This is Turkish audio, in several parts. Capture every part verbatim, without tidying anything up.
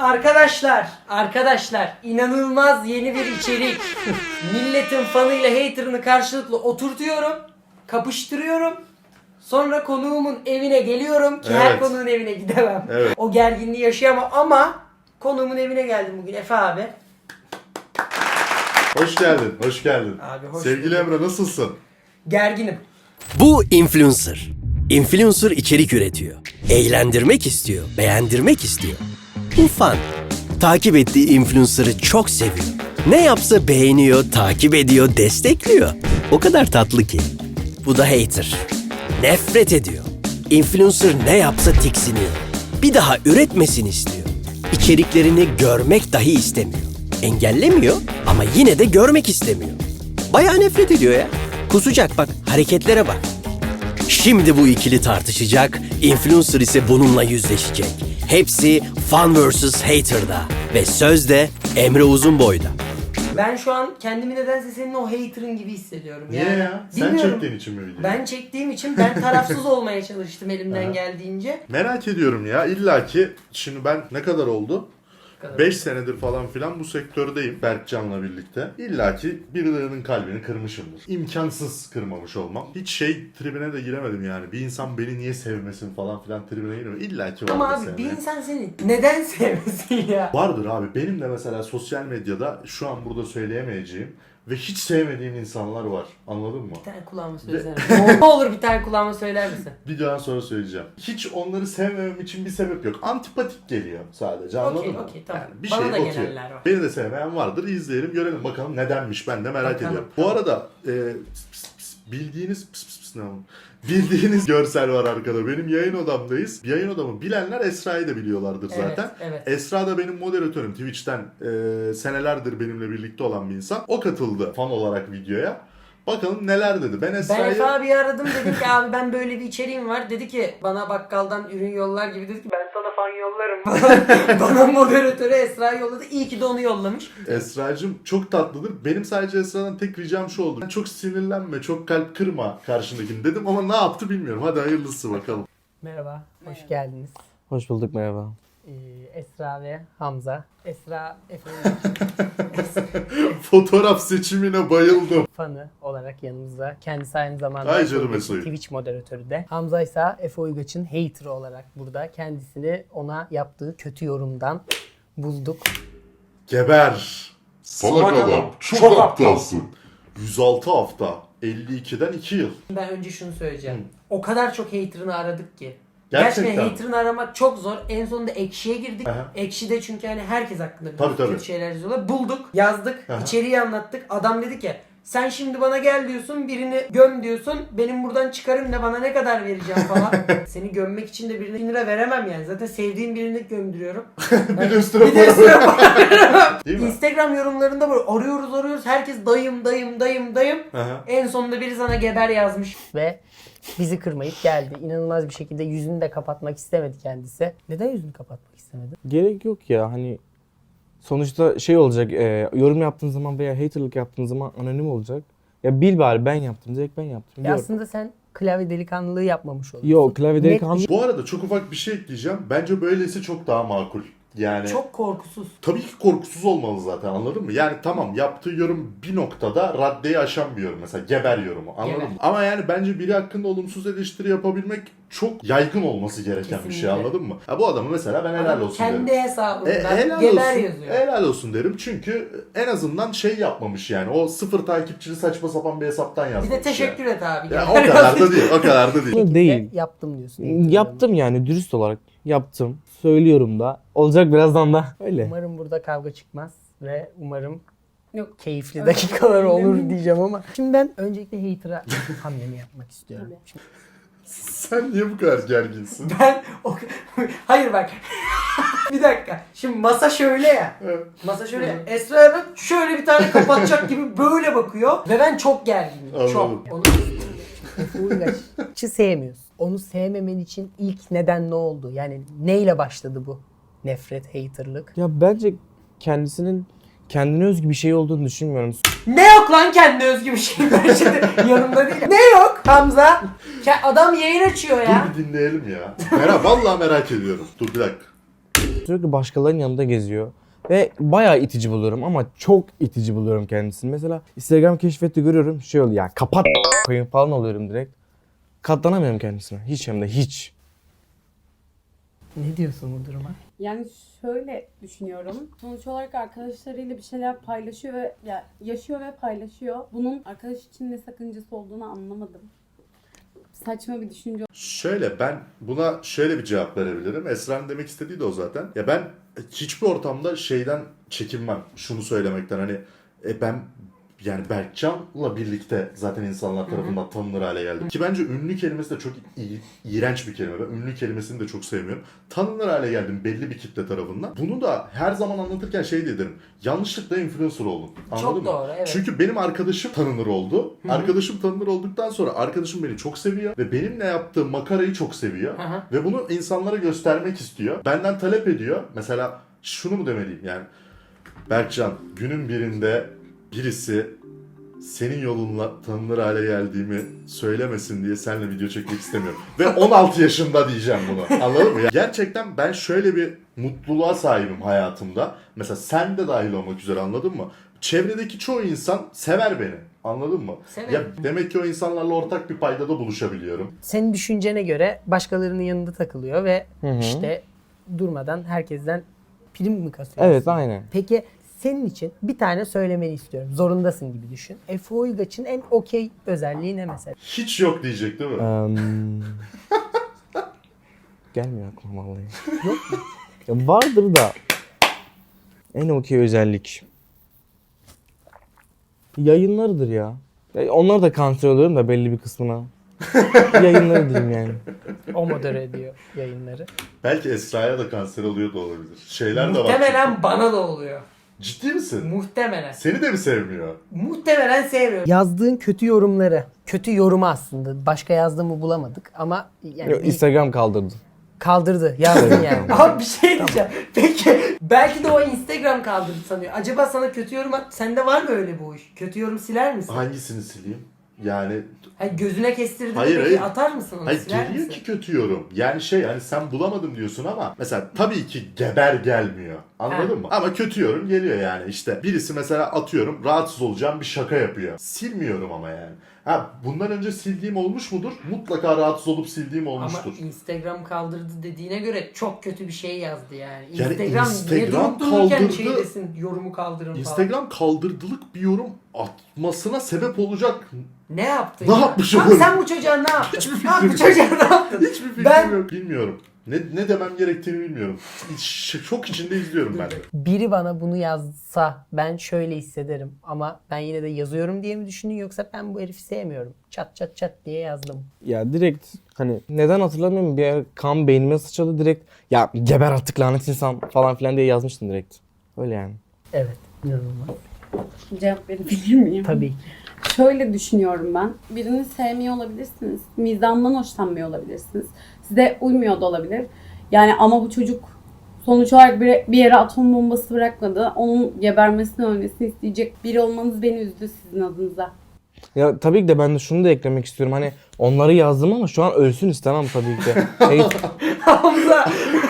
Arkadaşlar, arkadaşlar inanılmaz yeni bir içerik. Milletin fanıyla haterını karşılıklı oturtuyorum, kapıştırıyorum. Sonra konuğumun evine geliyorum ki her Evet. konuğun evine gidemem. Evet. O gerginliği yaşayamam ama konuğumun evine geldim bugün Efe abi. Hoş geldin, hoş geldin. Abi hoş Sevgili bulduk. Emre nasılsın? Gerginim. Bu influencer. Influencer içerik üretiyor. Eğlendirmek istiyor, beğendirmek istiyor. Bu fan. Takip ettiği influencer'ı çok seviyor. Ne yapsa beğeniyor, takip ediyor, destekliyor. O kadar tatlı ki. Bu da hater. Nefret ediyor. Influencer ne yapsa tiksiniyor. Bir daha üretmesini istiyor. İçeriklerini görmek dahi istemiyor. Engellemiyor ama yine de görmek istemiyor. Bayağı nefret ediyor ya. Kusacak bak, hareketlere bak. Şimdi bu ikili tartışacak, influencer ise bununla yüzleşecek. Hepsi Fan versus. Hater'da ve söz de Emre Uzunboy'da. Ben şu an kendimi nedense senin o haterın gibi hissediyorum. Niye yani, ya? Sen bilmiyorum. çektiğin için mi videoyu? Ben çektiğim için ben tarafsız olmaya çalıştım elimden geldiğince. Merak ediyorum ya. İlla ki şimdi ben ne kadar oldu? kadar beş senedir falan filan bu sektördeyim Berkcan'la birlikte. İlla ki birilerinin kalbini kırmışımdır. İmkansız kırmamış olmam. Hiç şey tribine de giremedim yani. Bir insan beni niye sevmesin falan filan tribine giremedim. İlla ki vardır Ama abi sevmeyen. bir insan seni neden sevmesin ya? Vardır abi. Benim de mesela sosyal medyada şu an burada söyleyemeyeceğim ve hiç sevmediğim insanlar var. Anladın mı? Bir tane kulağıma söylesene. Ne olur bir tane kulağıma söyler misin? Videodan sonra söyleyeceğim. Hiç onları sevmemem için bir sebep yok. Antipatik geliyor sadece, anladın Okey, mı? okey, tamam. Yani bir Bana şey da atıyor. gelenler var. Beni de sevmeyen vardır. İzleyelim, görelim bakalım nedenmiş, ben de merak Bakalım, ediyorum. tamam. Bu arada e, pıs pıs pıs, bildiğiniz pıs pıs pıs ne oğlum? Bildiğiniz görsel var arkada. Benim yayın odamdayız. Yayın odamı bilenler Esra'yı da biliyorlardır Evet, zaten. evet. Esra da benim moderatörüm. Twitch'ten e, senelerdir benimle birlikte olan bir insan. O katıldı fan olarak videoya. Bakalım neler dedi. Ben Ben Esra'yı... Efe abiyi aradım, dedim ki abi ben böyle bir içeriğim var. Dedi ki bana bakkaldan ürün yollar gibi, dedi ki ben sana fan yollarım. Bana moderatörü Esra'yı yolladı. İyi ki de onu yollamış. Esra'cığım çok tatlıdır. Benim sadece Esra'dan tek ricam şu oldu. Çok sinirlenme, çok kalp kırma karşındakini dedim ama ne yaptı bilmiyorum. Hadi hayırlısı bakalım. Merhaba, hoş geldiniz. Hoş bulduk, merhaba. Ee, Esra ve Hamza. Esra Efe'nin Fotoğraf seçimine bayıldım. fanı olarak yanımızda. Kendisi aynı zamanda Ay Efe canım Uygaç'ın Eso'yu. Twitch moderatörü de. Hamza ise Efe Uygaç'ın hater'ı olarak burada. Kendisini ona yaptığı kötü yorumdan bulduk. Geber. Salak adam, çok aptalsın. yüz altı hafta. elli ikiden iki yıl. Ben önce şunu söyleyeceğim. O kadar çok hater'ını aradık ki. Gerçekten. Gerçekten hater'ını aramak çok zor. En sonunda Ekşi'ye girdik. Aha. Ekşi'de çünkü hani herkes hakkında Tabii, tabii. kötü şeyler yazıyorlar. Bulduk, yazdık, Aha. içeriği anlattık. Adam dedi ki sen şimdi bana gel diyorsun, birini göm diyorsun. Benim buradan çıkarım da bana ne kadar vereceğim falan. Seni gömmek için de birine bin lira veremem yani. Zaten sevdiğim birini gömdürüyorum. Bir de üstüne Bir de para üstüne para veremem. Değil mi? Instagram yorumlarında böyle arıyoruz arıyoruz. Herkes dayım dayım dayım dayım. Aha. En sonunda biri sana geber yazmış. Ve bizi kırmayıp geldi. İnanılmaz bir şekilde yüzünü de kapatmak istemedi kendisi. Neden yüzünü kapatmak istemedi? Gerek yok ya, hani sonuçta şey olacak, e, yorum yaptığın zaman veya haterlık yaptığın zaman anonim olacak. Ya bil bari ben yaptım, direkt ben yaptım. Ya Yok. aslında sen klavye delikanlılığı yapmamış oluyorsun. Yok, klavye Net delikanlı. Bu arada çok ufak bir şey ekleyeceğim. Bence böylesi çok daha makul. Yani Çok korkusuz. tabii ki korkusuz olmalı zaten, anladın mı? Yani tamam, yaptığı yorum bir noktada raddeyi aşan bir yorum, mesela geber yorumu, anladın Geber. mı? Ama yani bence biri hakkında olumsuz eleştiri yapabilmek çok yaygın olması gereken bir şey, Kesinlikle. anladın mı? Ya bu adamı mesela ben helal Adam olsun kendi derim. hesabından E, helal geber olsun, yazıyor. helal olsun derim çünkü en azından şey yapmamış yani, o sıfır takipçili saçma sapan bir hesaptan Bir yazmamış. de teşekkür et abi. Ya. Ya o kadar da değil, o kadar da değil. Değil. değil. Yaptım diyorsun. Yaptım yani, dürüst olarak yaptım. Söylüyorum da. Olacak birazdan da. Öyle. Umarım burada kavga çıkmaz ve umarım yok keyifli dakikalar olur diyeceğim ama. Şimdi ben öncelikle hater'a hamlemi yapmak istiyorum. Şimdi Sen niye bu kadar gerginsin? ben o... Hayır bak. Bir dakika. Şimdi masa şöyle ya. Evet. Masa şöyle ya. Esra'ya bak şöyle bir tane kapatacak gibi böyle bakıyor. Ve ben çok gerginim. Anladım. Çok. Onu Efe Uygaç'ı sevmiyorsun. Onu sevmemen için ilk neden ne oldu? Yani neyle başladı bu nefret, haterlık? Ya bence kendisinin kendine özgü bir şey olduğunu düşünmüyorum. Ne yok lan kendi özgü bir şey, ben şimdi yanımda değil. Ne yok Hamza? Ke- Adam yayın açıyor ya. Dur bir dinleyelim ya. Merak, vallahi merak ediyorum. Dur bir dakika. Sürekli başkalarının yanında geziyor. Ve bayağı itici buluyorum ama çok itici buluyorum kendisini. Mesela Instagram keşfetti görüyorum şey oluyor ya kapat koyun falan oluyorum direkt. Katlanamıyorum kendisine. Hiç hem de hiç. Ne diyorsun bu duruma? Yani şöyle düşünüyorum. Sonuç olarak arkadaşlarıyla bir şeyler paylaşıyor ve ya yaşıyor ve paylaşıyor. Bunun arkadaş için ne sakıncası olduğunu anlamadım. Saçma bir düşünce. Şöyle ben buna şöyle bir cevap verebilirim. Esra'nın demek istediği de o zaten. Ya ben hiçbir ortamda şeyden çekinmem. Şunu söylemekten hani e ben yani Berkcan'la birlikte zaten insanlar tarafından tanınır hale geldim. Ki bence ünlü kelimesi de çok i- iğrenç bir kelime. Ben ünlü kelimesini de çok sevmiyorum. Tanınır hale geldim belli bir kitle tarafından. Bunu da her zaman anlatırken şey diye derim. Yanlışlıkla influencer oldum. Anladın Çok mı? doğru, evet. Çünkü benim arkadaşım tanınır oldu. Arkadaşım tanınır olduktan sonra arkadaşım beni çok seviyor. Ve benimle yaptığı makarayı çok seviyor. Hı hı. Ve bunu insanlara göstermek istiyor. Benden talep ediyor. Mesela şunu mu demeliyim yani. Berkcan günün birinde birisi senin yolunla tanınır hale geldiğimi söylemesin diye seninle video çekmek istemiyorum. Ve on altı yaşında diyeceğim bunu. Anladın mı? Gerçekten ben şöyle bir mutluluğa sahibim hayatımda. Mesela sen de dahil olmak üzere anladın mı? Çevredeki çoğu insan sever beni. Anladın mı? Severim. Ya demek ki o insanlarla ortak bir paydada buluşabiliyorum. Senin düşüncene göre başkalarının yanında takılıyor ve Hı hı. işte durmadan herkesten prim mi kasıyor? Evet aynen. Peki senin için bir tane söylemeni istiyorum. Zorundasın gibi düşün. Efe Uygaç'ın en okey özelliği ne mesela? Hiç yok diyecek değil mi? Um, gelmiyor aklıma vallahi. Yok mu? Ya vardır da en okey özellik. Yayınlarıdır ya. Ya onlar da kanser oluyorum da belli bir kısmına. Yayınları diyeyim yani. O modere ediyor yayınları. Belki Esra'ya da kanser oluyor da olabilir. Şeyler de var. Muhtemelen bana da oluyor. Ciddi misin? Muhtemelen. Seni de mi sevmiyor? Muhtemelen sevmiyor. Yazdığın kötü yorumları, kötü yorumu aslında. Başka yazdığımı bulamadık ama yani Yok, bir- Instagram kaldırdı. kaldırdı. Yazdın yani. Abi bir şey diyeceğim. Peki belki de o Instagram kaldırdı sanıyor. Acaba sana kötü yorum at. Sende var mı öyle bu iş? Kötü yorum siler misin? Hangisini sileyim? Yani Hayır, gözüne kestirdi Hayır, peki hayır. atar mısın onu? hayır siler geliyor misin? ki kötü yorum. Yani şey hani sen bulamadım diyorsun ama mesela tabii ki geber gelmiyor. Anladın Ha. mı? Ama kötü yorum geliyor yani. İşte birisi mesela atıyorum rahatsız olacağım bir şaka yapıyor. Silmiyorum ama yani. Ha bundan önce sildiğim olmuş mudur? Mutlaka rahatsız olup sildiğim olmuştur. Ama Instagram kaldırdı dediğine göre çok kötü bir şey yazdı yani. Yani Instagram, niye Instagram durup dururken kaldırdı. şey desin, yorumu kaldırın falan. Instagram kaldırdılık bir yorum atmasına sebep olacak Ne yaptın Ne ya? yapmış Abi olur? sen bu çocuğa ne yaptın? Hiçbir Abi bu fikrim yok. çocuğa ne yaptın? hiçbir fikrim Ben- yok. Bilmiyorum. Ne, ne demem gerektiğini bilmiyorum. Ş- Şok içinde izliyorum ben de. Biri bana bunu yazsa ben şöyle hissederim ama ben yine de yazıyorum diye mi düşündün yoksa ben bu herifi sevmiyorum. Çat çat çat diye yazdım. Ya direkt hani neden hatırlamıyorum bir yer kan beynime sıçradı direkt ya geber artık lanet insan falan filan diye yazmıştım direkt. Öyle yani. Evet. İnanılmaz. Cevap verebilir miyim? Tabii. Şöyle düşünüyorum ben. Birini sevmiyor olabilirsiniz. Mizahından hoşlanmıyor olabilirsiniz. Size uymuyor da olabilir. Yani ama bu çocuk sonuç olarak bir, bir yere atom bombası bırakmadı. Onun gebermesini, ölmesini isteyecek biri olmanız beni üzdü sizin adınıza. Ya tabii ki de ben de şunu da eklemek istiyorum. Hani onları yazdım ama şu an ölsün istemem tabii ki de. Şey, Hamza.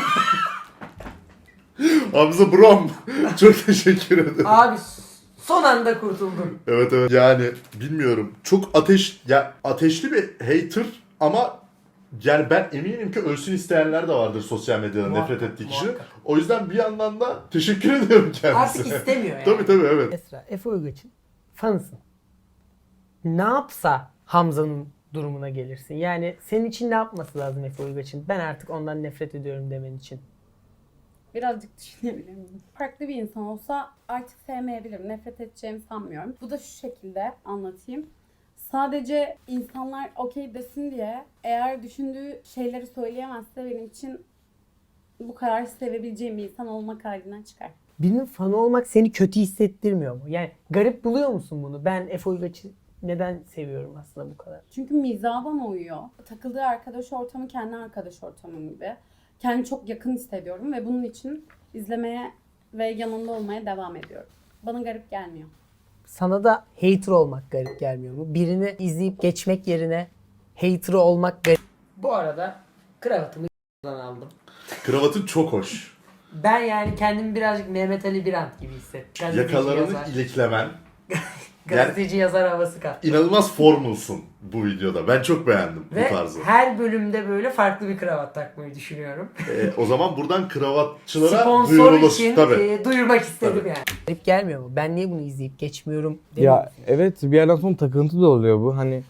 Hamza Brom. Çok teşekkür ederim. Abi son anda kurtuldum. Evet evet. Yani bilmiyorum. Çok ateş ya ateşli bir hater ama yani ben eminim ki ölsün isteyenler de vardır sosyal medyada Muhakkak, nefret ettiği kişi. muhakkak. O yüzden bir yandan da teşekkür ediyorum kendisine. Artık istemiyor yani. Tabii tabii evet. Esra, Efe Uygaç'ın fanısın. Ne yapsa Hamza'nın durumuna gelirsin. Yani senin için ne yapması lazım Efe Uygaç'ın? Ben artık ondan nefret ediyorum demen için. Birazcık düşünebilir miyim? Farklı bir insan olsa artık sevmeyebilirim. Nefret edeceğimi sanmıyorum. Bu da şu şekilde anlatayım. Sadece insanlar okey desin diye eğer düşündüğü şeyleri söyleyemezse benim için bu kadar sevebileceğim bir insan olmak halinden çıkar. Birinin fanı olmak seni kötü hissettirmiyor mu? Yani garip buluyor musun bunu? Ben Efe Uygaç'ı neden seviyorum aslında bu kadar? Çünkü mizahı bana uyuyor. Takıldığı arkadaş ortamı kendi arkadaş ortamım gibi. Kendimi çok yakın hissediyorum ve bunun için izlemeye ve yanında olmaya devam ediyorum. Bana garip gelmiyor. Sana da hater olmak garip gelmiyor mu? Birini izleyip geçmek yerine hater olmak garip. Bu arada kravatımı aldım. Kravatın çok hoş. Ben yani kendimi birazcık Mehmet Ali Birant gibi hissettim. Gazeteci Yakalarını yazar. iliklemen. Gazeteci yazar havası kat. İnanılmaz formulsun bu videoda. Ben çok beğendim Ve bu tarzı. her bölümde böyle farklı bir kravat takmayı düşünüyorum. Ee, o zaman buradan kravatçılara Sponsor duyurulur. için Tabii. e, duyurmak istedim Tabii. yani. Garip gelmiyor mu? Ben niye bunu izleyip geçmiyorum demiyor Ya musun? evet, bir yerden sonra takıntı da oluyor bu. Hani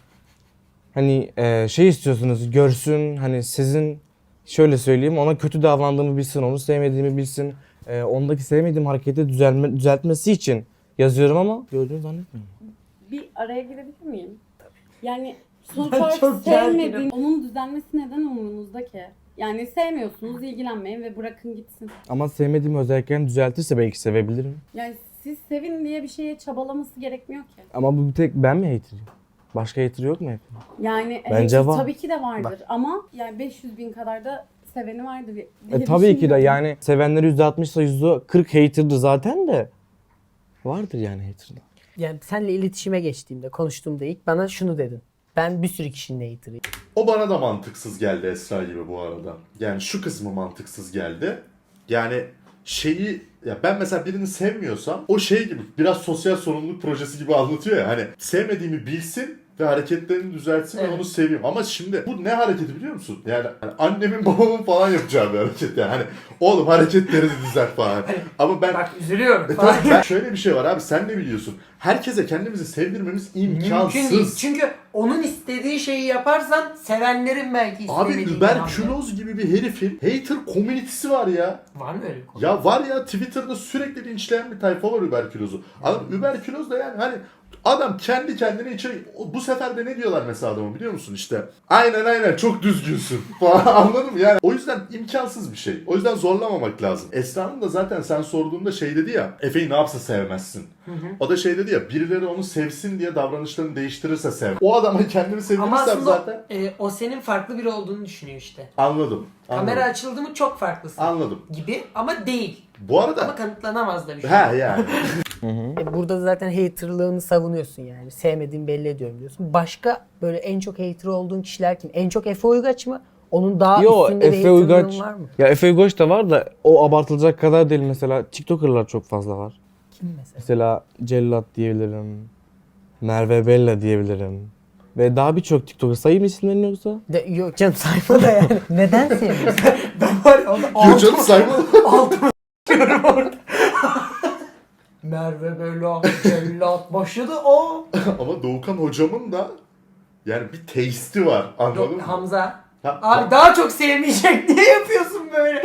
hani e, şey istiyorsunuz, görsün, hani sizin şöyle söyleyeyim, ona kötü davrandığımı bilsin, onu sevmediğimi bilsin. E, ondaki sevmediğim hareketi düzelme, düzeltmesi için yazıyorum ama gördüğünü zannetmiyorum. Bir araya girebilir miyim? Yani sonuç Ben olarak çok sevmediğin, gerginim. onun düzelmesi neden umurunuzda ki? Yani sevmiyorsunuz, ilgilenmeyin ve bırakın gitsin. Ama sevmediğim özelliklerini düzeltirse belki sevebilirim. Yani siz sevin diye bir şeye çabalaması gerekmiyor ki. Ama bu bir tek ben mi hater'ım? Başka hater yok mu hep? Yani Bence evet, var. tabii ki de vardır ama yani beş yüz bin kadar da seveni vardır diye E, tabii ki de düşünüyorum. yani sevenleri yüzde altmış ise yüzde kırk hater'dı zaten de. Vardır yani hater'da. Yani seninle iletişime geçtiğimde, konuştuğumda ilk bana şunu dedin. Ben bir sürü kişinin hater'ıyım. O bana da mantıksız geldi Esra gibi bu arada. Yani şu kısmı mantıksız geldi. Yani şeyi ya ben mesela birini sevmiyorsam o şey gibi biraz sosyal sorumluluk projesi gibi anlatıyor ya, hani sevmediğimi bilsin ve hareketlerini düzeltsin ve Evet. onu seveyim. Ama şimdi bu ne hareketi biliyor musun? Yani hani annemin babamın falan yapacağı bir hareket yani. Hani oğlum hareketlerini düzelt falan. Ama ben Bak üzülüyorum E falan. tabii ben şöyle bir şey var abi, sen ne biliyorsun? Herkese kendimizi sevdirmemiz imkansız. Mümkün değil. Çünkü onun istediği şeyi yaparsan sevenlerin belki Abi istemediğini überküloz gibi bir herifin hater komünitesi var ya. Var mı öyle bir konu? Ya var ya, Twitter'da sürekli linçleyen bir tayfa var überkülozu. Adam überküloz da yani hani adam kendi kendine içeri... Bu sefer de ne diyorlar mesela adamı biliyor musun işte? Aynen aynen çok düzgünsün falan, anladın mı? Yani o yüzden imkansız bir şey. O yüzden zorlamamak lazım. Esra'nın da zaten sen sorduğunda şey dedi ya, Efe'yi ne yapsa sevmezsin. O da şey dedi ya, birileri onu sevsin diye davranışlarını değiştirirse sev. O adama kendini Ama sevdirirsem aslında zaten e, o senin farklı biri olduğunu düşünüyor işte. anladım. anladım. Kamera açıldı mı çok farklısın Anladım. gibi ama değil. Bu arada Ama kanıtlanamaz da bir şey. ha yani. E burada zaten haterlığını savunuyorsun yani. Sevmediğini belli ediyorum diyorsun. Başka böyle en çok hater olduğun kişiler kim? En çok Efe Uygaç mı? Onun daha Yo, üstünde bir Efe haterlığın Uygaç. var mı? Ya Efe Uygaç da var da o abartılacak kadar değil. Mesela TikToker'lar çok fazla var. Kim mesela? Mesela Cellat diyebilirim. Merve Bella diyebilirim. Ve daha birçok TikToker, sayayım isimlerini yoksa? De, yok canım sayfa da yani. Neden sevmiyorsun? Ben var ya onu Diyor canım saymadım. diyorum orada. Merve böyle cellat başladı o. Ama Doğukan hocamın da yani bir taste'i var, anladın Yok, mı? Hamza. Ha, Abi daha çok sevmeyecek. Niye yapıyorsun böyle?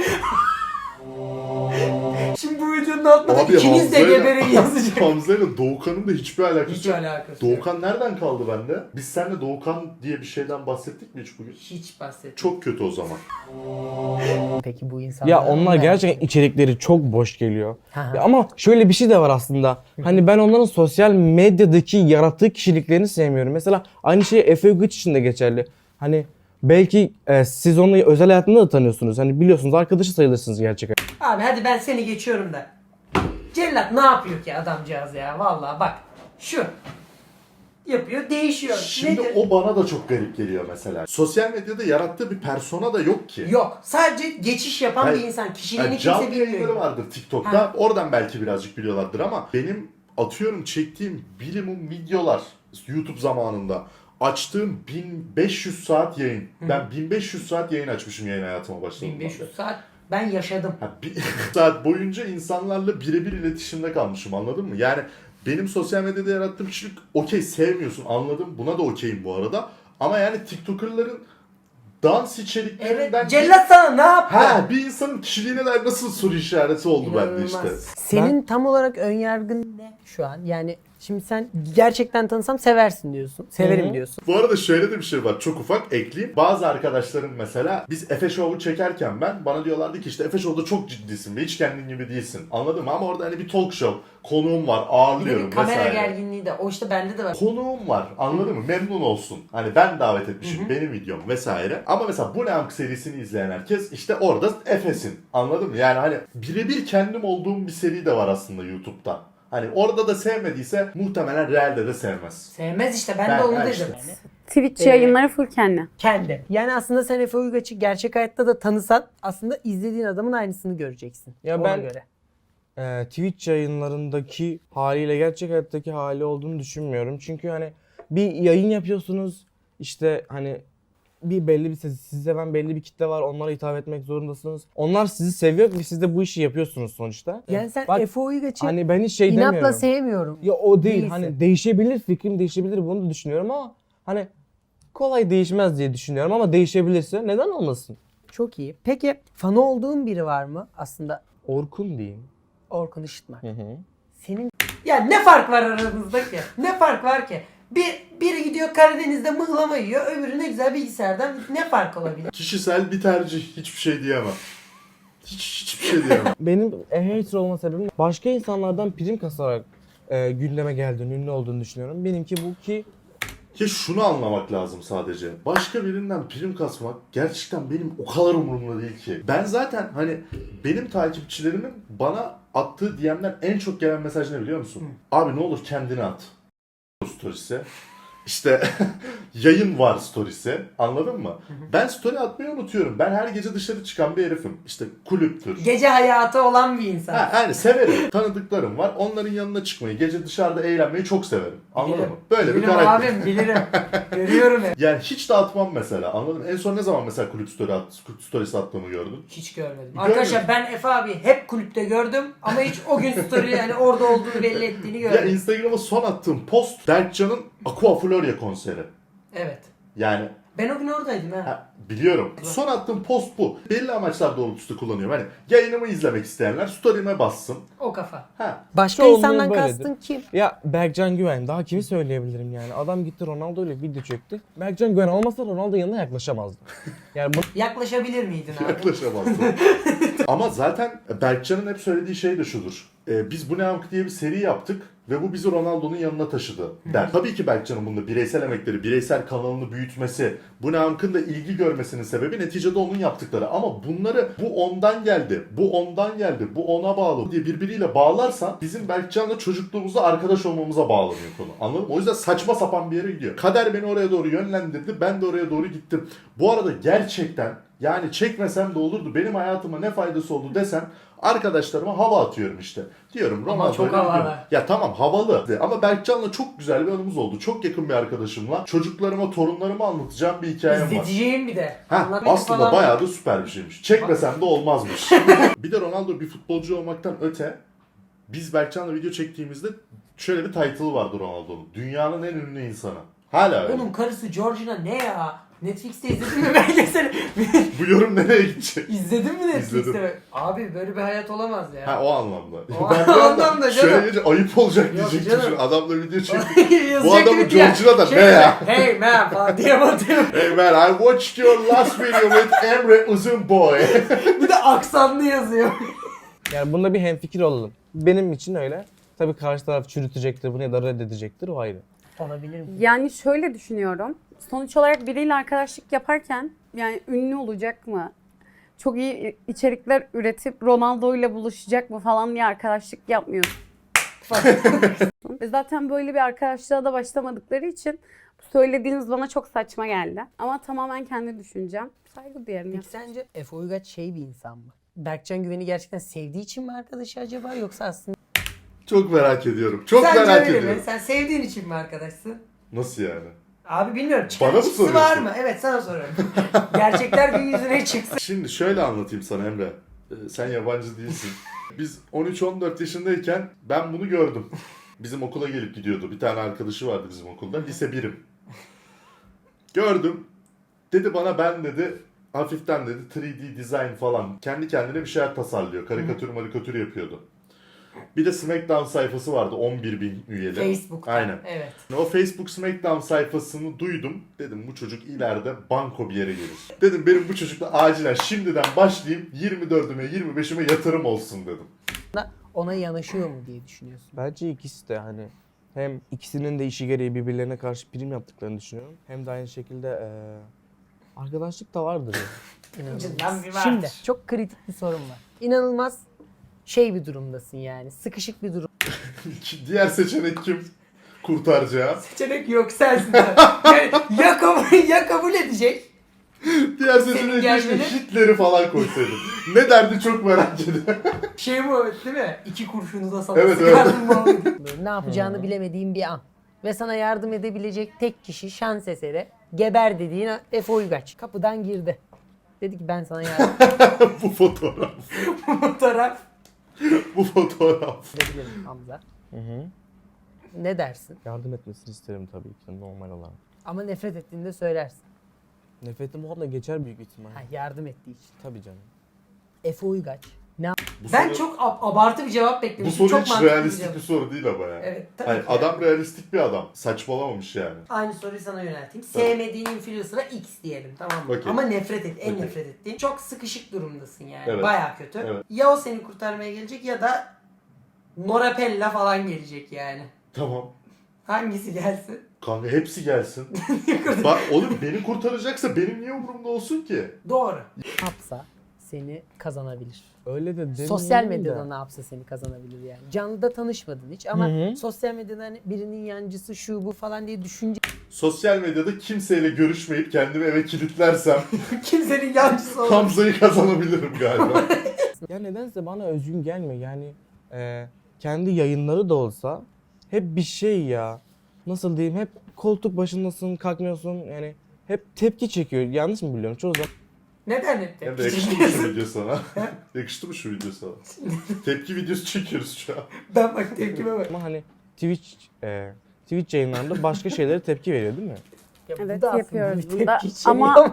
Şimdi bu videonun altına Abi ikiniz de Hamza'yla- geberin yazacak. Hamza ile Doğukan'ın da hiçbir alakası Hiç yok. alakası yok. Doğukan nereden kaldı bende? Biz seninle Doğukan diye bir şeyden bahsettik mi hiç bugün? Hiç bahsetmiyorum. Çok kötü o zaman. Peki bu insanlar... Ya onlar gerçekten içerikleri çok boş geliyor. Hı hı. Ya ama şöyle bir şey de var aslında. Hani ben onların sosyal medyadaki yarattığı kişiliklerini sevmiyorum. Mesela aynı şey Efe Uygaç için de geçerli. Hani belki e, siz onu özel hayatında da tanıyorsunuz. Hani biliyorsunuz, arkadaşı sayılırsınız gerçekten. Abi hadi ben seni geçiyorum da. Cellat ne yapıyor ki adamcağız ya? Vallahi bak. Şu. Yapıyor, değişiyor. Şimdi Nedir? o bana da çok garip geliyor mesela. Sosyal medyada yarattığı bir persona da yok ki. Yok. Sadece geçiş yapan Hayır. bir insan. Kişiliğini Yani kimse canlı yayınları bilmiyor. vardır TikTok'ta. Ha. Oradan belki birazcık biliyorlardır ama benim atıyorum çektiğim bilimum videolar YouTube zamanında açtığım bin beş yüz saat yayın. Ben bin beş yüz saat yayın açmışım yayın hayatıma başladığımda. bin beş yüz saat ben yaşadım. Ha, bir saat boyunca insanlarla birebir iletişimde kalmışım, anladın mı? Yani benim sosyal medyada yarattığım kişilik okey, sevmiyorsun, anladım, buna da okeyim bu arada. Ama yani TikToker'ların dans içeriklerinden... Evet. Cellat sana ne yaptı? Ha, bir insanın kişiliğine dair nasıl soru işareti oldu bende İnanılmaz. işte. Senin tam olarak önyargın ne şu an? Yani şimdi sen gerçekten tanısam seversin diyorsun. Severim Hı hı. diyorsun. Bu arada şöyle de bir şey var, çok ufak ekleyeyim. Bazı arkadaşlarım mesela biz Efe Show'u çekerken ben bana diyorlardı ki işte Efe Show'da çok ciddisin ve hiç kendin gibi değilsin. Anladın mı? Ama orada hani bir talk show, konuğum var, Bir de ağırlıyorum bir kamera vesaire. gerginliği de. O işte bende de var. Konuğum var, anladın mı? Memnun olsun. Hani ben davet etmişim, benim videom vesaire. Ama mesela Bu Ne Amk serisini izleyen herkes işte orada Efe'sin. Anladın mı? Yani hani birebir kendim olduğum bir seri de var aslında YouTube'da. Hani orada da sevmediyse muhtemelen realde de sevmez. Sevmez işte. Ben, Ben- de onu ben dedim. işte. Twitch Ee, yayınları full kendi. Kendi. Yani aslında sen Efe Uygaç'ı gerçek hayatta da tanısan aslında izlediğin adamın aynısını göreceksin. Ya Ona ben- göre. Ee, Twitch yayınlarındaki haliyle gerçek hayattaki hali olduğunu düşünmüyorum. Çünkü hani bir yayın yapıyorsunuz, işte hani bir belli bir sizi seven belli bir kitle var, onlara hitap etmek zorundasınız. Onlar sizi seviyor ve siz de bu işi yapıyorsunuz sonuçta. Yani sen Bak, Efe Uygaç'ı hani ben hiç şey inatla demiyorum. sevmiyorum. Ya o değil. Değilse. Hani değişebilir, fikrim değişebilir, bunu da düşünüyorum ama hani kolay değişmez diye düşünüyorum ama değişebilirse neden olmasın? Çok iyi. Peki fanı olduğun biri var mı? Aslında Orkun diyeyim. Orkun Işıtmak. Hı hı. Senin Ya ne fark var aramızda ki? Ne fark var ki? Bir, biri gidiyor Karadeniz'de mıhlama yiyor, öbürü ne güzel bilgisayardan, ne fark olabilir? Kişisel bir tercih. Hiçbir şey diyemem. Hiç, hiçbir şey diyemem. Benim hater olma sebebim başka insanlardan prim kasarak e, gündeme geldiğini, ünlü olduğunu düşünüyorum. Benimki bu ki Ki şunu anlamak lazım sadece. Başka birinden prim kasmak gerçekten benim o kadar umurumda değil ki. Ben zaten hani benim takipçilerimin bana attığı D M'den en çok gelen mesaj ne biliyor musun? Abi ne olur kendini at. Stories'e. İşte yayın var stories'e. Anladın mı? Ben story atmayı unutuyorum. Ben her gece dışarı çıkan bir herifim. İşte kulüptür. Gece hayatı olan bir insan. Ha, yani severim. Tanıdıklarım var. Onların yanına çıkmayı, gece dışarıda eğlenmeyi çok severim. Anladın Bilirim. mı? Böyle bir Bilirim karakter. abim, bilirim. Görüyorum hep. Yani hiç dağıtmam mesela. Anladın mı? En son ne zaman mesela kulüp story at, kulüp story'si attığımı gördün? Hiç görmedim. Görmedim. Arkadaşlar ben Efe abi hep kulüpte gördüm ama hiç o gün story yani orada olduğunu belli ettiğini Ya görmedim. Instagram'a son attığım post Berkcan'ın Aqua Floria konseri. Evet. Yani Ben o gün oradaydım ha. ha, biliyorum. Son attığım post bu. Belli amaçlar doğrultusunda kullanıyorum. Hani yayınımı izlemek isteyenler story'ime bassın. O kafa. Ha. başka Çoğunluğu insandan böyledir. kastın kim? ya Berkcan Güven, daha kimi söyleyebilirim yani? Adam gitti Ronaldo ile video çekti. Berkcan Güven olmasa Ronaldo yanına yaklaşamazdı. Yani bu Yaklaşabilir miydin abi? Yaklaşamazsın. Ama zaten Berkcan'ın hep söylediği şey de şudur. Ee, biz bu ne amk diye bir seri yaptık ve bu bizi Ronaldo'nun yanına taşıdı der. Tabii ki Berkcan'ın bunda bireysel emekleri, bireysel kanalını büyütmesi, bu ne amkın da ilgi görmesinin sebebi neticede onun yaptıkları. Ama bunları bu ondan geldi, bu ondan geldi, bu ona bağlı diye birbiriyle bağlarsan bizim Berkcan'la çocukluğumuzda arkadaş olmamıza bağlanıyor konu. Anladın mı? O yüzden saçma sapan bir yere gidiyor. Kader beni oraya doğru yönlendirdi, ben de oraya doğru gittim. Bu arada gerçekten yani çekmesem de olurdu, benim hayatıma ne faydası oldu desem arkadaşlarıma hava atıyorum işte. Diyorum Ama Ronaldo'yla çok havalı. gidiyorum. Ya tamam havalı ama Berkcan'la çok güzel bir anımız oldu. Çok yakın bir arkadaşımla çocuklarıma, torunlarıma anlatacağım bir hikayem var. İzleteceğim bir de. Ha, Anlatmayı aslında falan- bayağı da süper bir şeymiş. Çekmesem de olmazmış. Bir de Ronaldo bir futbolcu olmaktan öte biz Berkcan'la video çektiğimizde şöyle bir title vardı Ronaldo'nun. Dünyanın en ünlü insanı. Hala öyle. Onun karısı Georgina ne ya? Netflix'te izledin mi belgeseli? Bu yorum nereye gidecek? İzledin mi Netflix'te? İzledim. Abi böyle bir hayat olamaz ya. Ha o anlamda. O Ben bir anda anlamda şöyle canım. deyince ayıp olacak Yok diyecektim. canım. Şimdi adamla video çektik. Yazacak Bu adamın dedik ya, Georgina da şey ne ya? dedi, Hey man falan diye batıyor. Hey man, I watched your last video with Emre Uzunboy. Bir de aksanlı yazıyor. yani bunda bir hemfikir olalım. Benim için öyle. Tabii karşı taraf çürütecektir bunu ya da reddedecektir, o ayrı. Olabilir mi? Yani şöyle düşünüyorum. Sonuç olarak biriyle arkadaşlık yaparken yani ünlü olacak mı? Çok iyi içerikler üretip Ronaldo ile buluşacak mı falan diye arkadaşlık yapmıyorsun. Ve zaten böyle bir arkadaşlığa da başlamadıkları için bu söylediğiniz bana çok saçma geldi. Ama tamamen kendi düşüncem. Saygı duyarım. Peki sence Efe Uygaç şey bir insan mı? Berkcan Güven'i gerçekten sevdiği için mi arkadaşı acaba yoksa aslında Çok merak ediyorum. Çok Sence merak öyle ediyorum. mi? Sen sevdiğin için mi arkadaşsın? Nasıl yani? Abi bilmiyorum. Bana Çıkar mı çıksı var soruyorsun? mı? Evet sana soruyorum. Gerçekler gün yüzüne çıksın. Şimdi şöyle anlatayım sana Emre. Ee, sen yabancı değilsin. Biz on üç on dört yaşındayken ben bunu gördüm. Bizim okula gelip gidiyordu. Bir tane arkadaşı vardı bizim okulda. Lise birim. Gördüm. Dedi bana ben dedi hafiften dedi üç D design falan. Kendi kendine bir şeyler tasarlıyor. Karikatür marikatür yapıyordu. Bir de Smackdown sayfası vardı on bir bin üyeli. Facebook'ta. Aynen. Evet. O Facebook Smackdown sayfasını duydum. Dedim bu çocuk ileride banko bir yere gelir. Dedim benim bu çocukla acilen şimdiden başlayayım yirmi dördüme yirmi beşime yatırım olsun dedim. ona yanaşıyor mu diye düşünüyorsun? Bence ikisi de hani hem ikisinin de işi gereği birbirlerine karşı prim yaptıklarını düşünüyorum. Hem de aynı şekilde eee arkadaşlık da vardır ya. İnanılmaz. İçinden bir var. Şimdi çok kritik bir sorun var. İnanılmaz şey bir durumdasın yani. Sıkışık bir durum. Diğer seçenek kim? kurtaracağım. Seçenek yok sensin. Yani ya kabul, ya kabul edecek. Diğer Senin seçenek gelmeni- keşke Hitler'i falan koysaydım. Ne derdi çok merak ediyorum. Şey bu değil mi? İki kurşunu da sana Evet, sıkardım muhabbeti. Böyle ne yapacağını bilemediğin bir an. Ve sana yardım edebilecek tek kişi şans eseri geber dediğin Efe Uygaç. Kapıdan girdi. Dedi ki ben sana yardım Bu fotoğraf. Fotoğraf. Bu fotoğraf. edebilirim Hamza. Hı hı. Ne dersin? Yardım etmesini isterim tabii ki normal olarak. Ama nefret ettiğinde söylersin. Nefretim o da geçer büyük ihtimal. Ha, yardım ettiği için. Tabii canım. Efe Uygaç. Ne Bu Ben soru- çok ab- abartı bir cevap Bu beklemiştim. soru Çok hiç mantıklı realistik cevap. bir soru değil ama ya. Evet, tabii Hayır, ki. adam realistik bir adam. Saçmalamamış yani. Aynı soruyu sana yönelteyim. Tabii. Sevmediğin influencer'a X diyelim, tamam mı? Okey. Ama nefret et, en Okey. nefret ettiğin. Çok sıkışık durumdasın yani. Evet. Baya kötü. Evet. Ya o seni kurtarmaya gelecek ya da Norapella falan gelecek yani. Tamam. Hangisi gelsin? Kanka hepsi gelsin. Bak oğlum beni kurtaracaksa benim niye umurumda olsun ki? Doğru. yapsa seni kazanabilir. Öyle de demeyelim Sosyal de. medyada ne yapsa seni kazanabilir yani. Canlıda tanışmadın hiç ama Hı hı. sosyal medyada hani birinin yancısı şu bu falan diye düşünce Sosyal medyada kimseyle görüşmeyip kendimi eve kilitlersem Kimsenin yancısı olmaz. Hamza'yı kazanabilirim galiba. Ya nedense bana özgün gelmiyor yani e, kendi yayınları da olsa hep bir şey ya. Nasıl diyeyim, hep koltuk başındasın, kalkmıyorsun yani hep tepki çekiyor. Yanlış mı biliyorum? Çoğu zaman Neden hep Hem tepki de yakıştı mı çekiyorsun? şu video sana? Yakıştı mı şu video sana? Tepki videosu çekiyoruz şu an. Ben bak tepkime bak. ama hani Twitch e, Twitch yayınlarında başka şeylere tepki veriyor değil mi? ya bu Evet, da aslında yapıyoruz bir bunda. tepki içeriği Ama-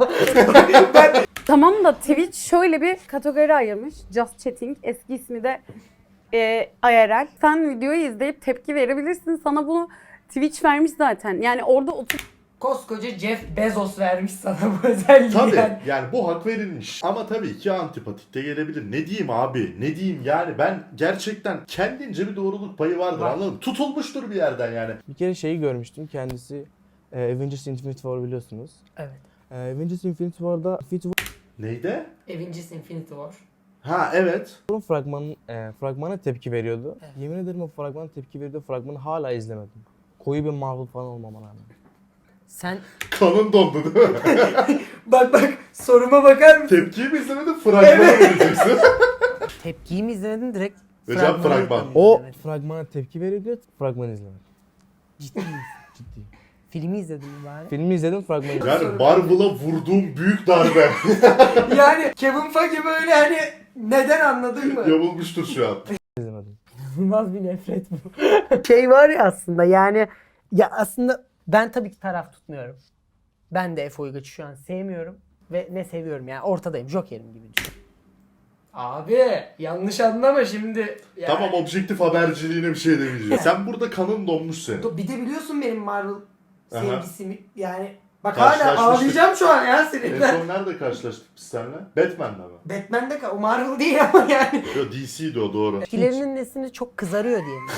Tamam da Twitch şöyle bir kategori ayırmış. Just Chatting. Eski ismi de e, I R L. Sen videoyu izleyip tepki verebilirsin. Sana bunu Twitch vermiş zaten. Yani orada otur Koskoca Jeff Bezos vermiş sana bu özelliği Tabii yani. yani bu hak verilmiş. Ama tabii ki antipatik de gelebilir. Ne diyeyim abi? Ne diyeyim yani ben gerçekten kendince bir doğruluk payı vardır Var. anladın mı? Tutulmuştur bir yerden yani. Bir kere şeyi görmüştüm, kendisi e, Avengers Infinity War biliyorsunuz. Evet. E, Avengers Infinity War'da Infinity Neydi? Avengers Infinity War. Ha evet. War'un fragmanı, e, fragmana tepki veriyordu. Yemin ederim o fragmana tepki veriyordu. Fragmanı hala izlemedim. Koyu bir Marvel falan olmama rağmen. sen Kanın dondu değil mi? Bak bak soruma bakar mısın? Tepkiyi mi izlemedin? Fragmanı vereceksin. tepkiyi mi izledin direkt? Ve cevap fragmanı fragman. mı O izledin? fragmana tepki veriyordu, fragmanı izlemedim. Ciddi misin? Ciddi. Filmi izledin mi bari? Filmi izledim, fragmanı izlemedim. Yani Marvel'a vurduğum büyük darbe Yani Kevin Feige böyle hani neden anladın mı? yamulmuştur şu an. izlemedim. İnanılmaz bir nefret bu. şey var ya aslında yani ya aslında ben tabii ki taraf tutmuyorum. Ben de Efe Uygaç'ı şu an sevmiyorum ve ne seviyorum yani ortadayım. Joker'im gibi düşün. Abi yanlış anlama şimdi. Yani. Tamam objektif haberciliğine bir şey demeyeceğim. Sen burada kanın donmuş senin. Do- Bir de biliyorsun benim Marvel Aha. sevgisimi yani. Bak hala Karşılaşmıştık. ağlayacağım şu an ya En sinirden. son nerede karşılaştık biz seninle? Batman'da mı? Batman'de ka- o Marvel değil ama yani. Yo D C'ydi o doğru. Etkilerinin nesini çok kızarıyor diye mi?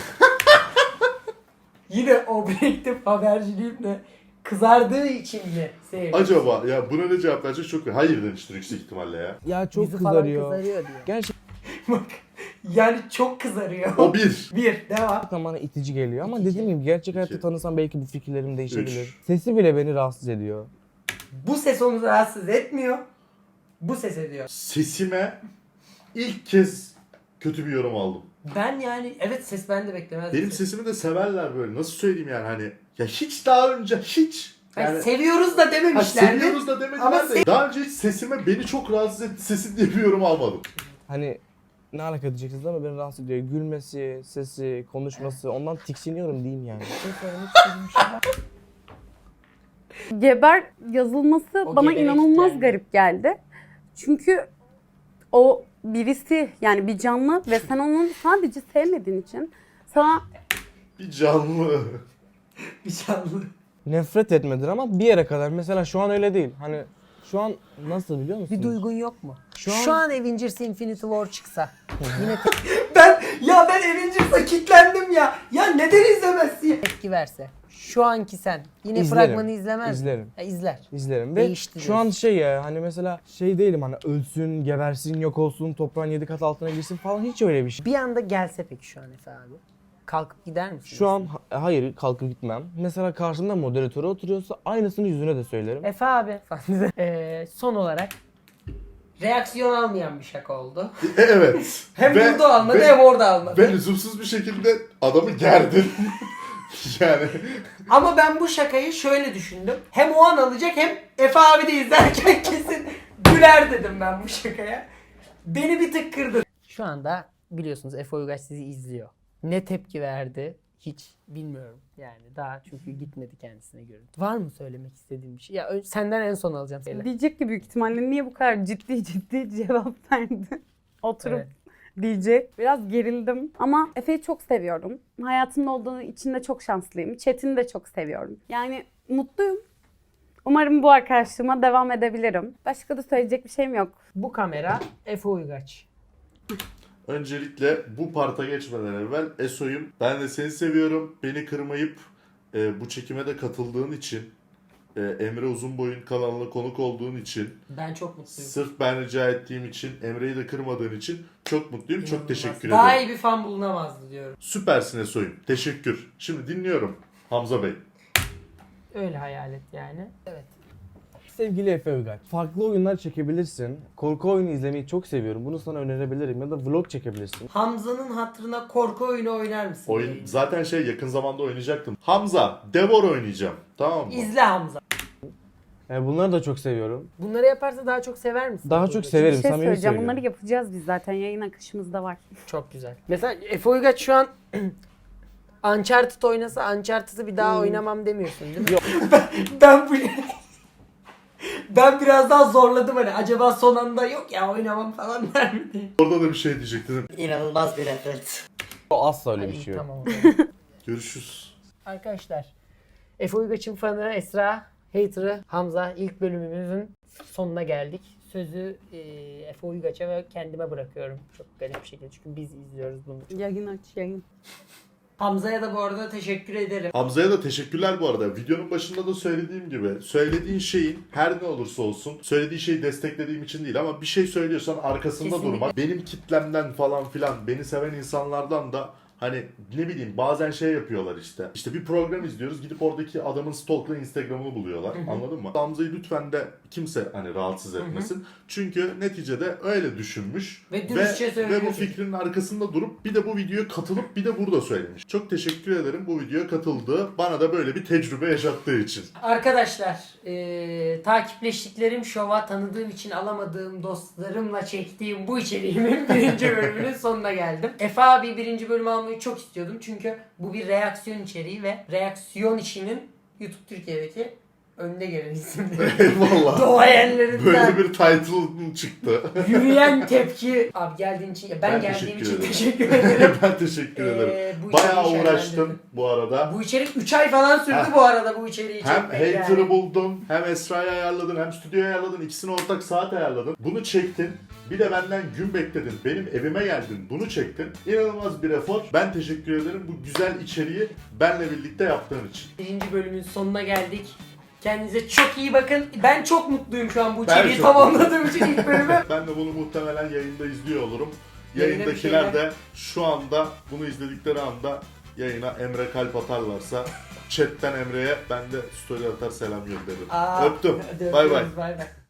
Yine objektif haberciliğimle kızardığı için mi sevdim? Acaba ya buna ne cevap verecek çok hayır demiştir yüksek ihtimalle ya. Ya çok Yüzü falan kızarıyor. kızarıyor diye. Gerçekten Bak yani çok kızarıyor. O bir. Bir devam. bana itici geliyor ama dediğim gibi gerçek hayatta İki. tanısam belki bu fikirlerim değişebilir. Üç. Sesi bile beni rahatsız ediyor. Bu ses onu rahatsız etmiyor. Bu ses ediyor. Sesime ilk kez kötü bir yorum aldım. Ben yani evet ses ben de beklemezdim. Benim sesimi de severler böyle. Nasıl söyleyeyim yani hani. Ya hiç daha önce hiç. Yani Yani, seviyoruz da ha, dememişlerdi. seviyoruz da demediler Ama de. Daha önce hiç sesime beni çok rahatsız etti sesim diye bir yorum almadım. Hani ne alaka diyeceksiniz ama beni rahatsız ediyor. Gülmesi, sesi, konuşması, ondan tiksiniyorum diyeyim yani. geber yazılması O bana geberek inanılmaz geldi. garip geldi. Çünkü o birisi yani bir canlı ve sen onu sadece sevmediğin için sana Bir canlı. Bir canlı. Nefret etmedir ama bir yere kadar. Mesela şu an öyle değil. Hani şu an nasıl biliyor musunuz? Bir duygun yok mu? Şu Şu an, an- Avengers Infinity War çıksa yine Ben ya ben Avengers'a kilitlendim ya. Ya neden izlemezsin ya? tepki verse. Şu anki sen yine İzlerim. fragmanı izlemez misin? İzlerim. Ya izler. İzlerim ve Değişti şu an şey ya hani mesela şey değilim hani ölsün, gebersin, yok olsun, toprağın yedi kat altına girsin falan hiç öyle bir şey. Bir anda gelse peki şu an Efe abi. kalkıp gider misin? Şu an ha- hayır kalkıp gitmem. Mesela karşımda moderatörü oturuyorsa aynısını yüzüne de söylerim. Efe abi. Ee, son olarak Reaksiyon almayan bir şaka oldu. E, evet. Hem Ve- burada almadı ve- hem orada almadı. Ve lüzumsuz bir şekilde adamı gerdin. yani Ama ben bu şakayı şöyle düşündüm. Hem o an alacak hem Efe abi de izlerken kesin güler dedim ben bu şakaya. Beni bir tık kırdı. şu anda biliyorsunuz Efe Uygaç sizi izliyor. Ne tepki verdi hiç bilmiyorum. Yani daha çünkü gitmedi kendisine göre. Var mı söylemek istediğin bir şey? Ya ö- senden en son alacağım. Söyle. Diyecek ki büyük ihtimalle niye bu kadar ciddi ciddi cevap verdi. Oturup Evet. diyecek. Biraz gerildim ama Efe'yi çok seviyorum. Hayatımda olduğu için de çok şanslıyım. Çetin'i de çok seviyorum. Yani mutluyum. Umarım bu arkadaşlığıma devam edebilirim. Başka da söyleyecek bir şeyim yok. Bu kamera Efe Uygaç. öncelikle bu parta geçmeden evvel Eso'yum. Ben de seni seviyorum. Beni kırmayıp e, bu çekime de katıldığın için, e, Emre Uzunboy'un kanalına konuk olduğun için, Ben çok mutluyum. sırf ben rica ettiğim için, Emre'yi de kırmadığın için çok mutluyum. Çok İnanılmaz. teşekkür Daha ederim. iyi bir fan bulunamazdı diyorum. Süpersin Eso'yum. Teşekkür. Şimdi dinliyorum Hamza Bey. Öyle hayal et yani. Evet. Sevgili Efe Uygaç, farklı oyunlar çekebilirsin. Korku oyunu izlemeyi çok seviyorum. Bunu sana önerebilirim ya da vlog çekebilirsin. Hamza'nın hatırına korku oyunu oynar mısın? Oyun zaten şey yakın zamanda oynayacaktım. Hamza, Devor oynayacağım. Tamam mı? İzle Hamza. Yani bunları da çok seviyorum. Bunları yaparsa daha çok sever misin? Daha Efe çok Uygaç'ı? severim, Bir şey samimi söyleyeceğim. söylüyorum. Bunları yapacağız biz zaten. Yayın akışımızda var. Çok güzel. Mesela Efe Uygaç şu an Uncharted oynasa Uncharted'ı bir daha oynamam demiyorsun değil mi? Yok. Ben bu... ben biraz daha zorladım hani. Acaba son anda yok ya oynamam falan der mi diye. Orada da bir şey diyecektim. İnanılmaz bir refleks. O asla öyle bir şey yok. Tamam o zaman. Görüşürüz. Arkadaşlar Efe Uygaç'ın fanı Esra, hater'ı Hamza, ilk bölümümüzün sonuna geldik. Sözü e, Efe Uygaç'a ve kendime bırakıyorum. Çok garip bir şekilde çünkü biz izliyoruz bunu. Yayın aç yayın. Hamza'ya da bu arada teşekkür ederim. Hamza'ya da teşekkürler bu arada. Videonun başında da söylediğim gibi söylediğin şeyin her ne olursa olsun söylediği şeyi desteklediğim için değil ama bir şey söylüyorsan arkasında Kesinlikle. durmak. Benim kitlemden falan filan beni seven insanlardan da hani ne bileyim bazen şey yapıyorlar işte. İşte bir program izliyoruz gidip oradaki adamın stalkla Instagram'ını buluyorlar. Anladın mı? Hamza'yı lütfen de kimse hani rahatsız etmesin. Çünkü neticede öyle düşünmüş. Ve dürüstçe söylüyor. ve bu fikrinin arkasında durup bir de bu videoya katılıp bir de burada söylemiş. Çok teşekkür ederim bu videoya katıldığı, bana da böyle bir tecrübe yaşattığı için. Arkadaşlar eee takipleştiklerim şova tanıdığım için alamadığım dostlarımla çektiğim bu içeriğimin birinci bölümünün sonuna geldim. Efe abi birinci bölümü almayı çok istiyordum çünkü bu bir reaksiyon içeriği ve reaksiyon işinin YouTube Türkiye'deki önde gelen isimleri. Eyvallah. Doğayenlerinden. Böyle bir title çıktı. Yürüyen tepki. Abi geldiğin için, ben, Ben geldiğim teşekkür için ederim. teşekkür ederim. Ben teşekkür Ee, ederim. bu Bayağı içeriği uğraştım şenlendirdim. bu arada. Bu içerik üç ay falan sürdü Ha. bu arada bu içeriği Hem çekmek hater'ı yani. buldun, hem Esra'yı ayarladın, hem stüdyoyu ayarladın. İkisini ortak saat ayarladın. Bunu çektin. Bir de benden gün bekledin. Benim evime geldin. Bunu çektin. İnanılmaz bir efor. Ben teşekkür ederim bu güzel içeriği benle birlikte yaptığın için. Birinci bölümün sonuna geldik. Kendinize çok iyi bakın. Ben çok mutluyum şu an bu Ben içeriği çok tamamladığım için ilk bölümü. Ben de bunu muhtemelen yayında izliyor olurum. Yayına bir Yayındakiler şeyler- de şu anda bunu izledikleri anda yayına Emre kalp atarlarsa chatten Emre'ye ben de story atar selam gönderirim. Aa, Öptüm. hadi Bay bay. öpüyoruz, bay bay.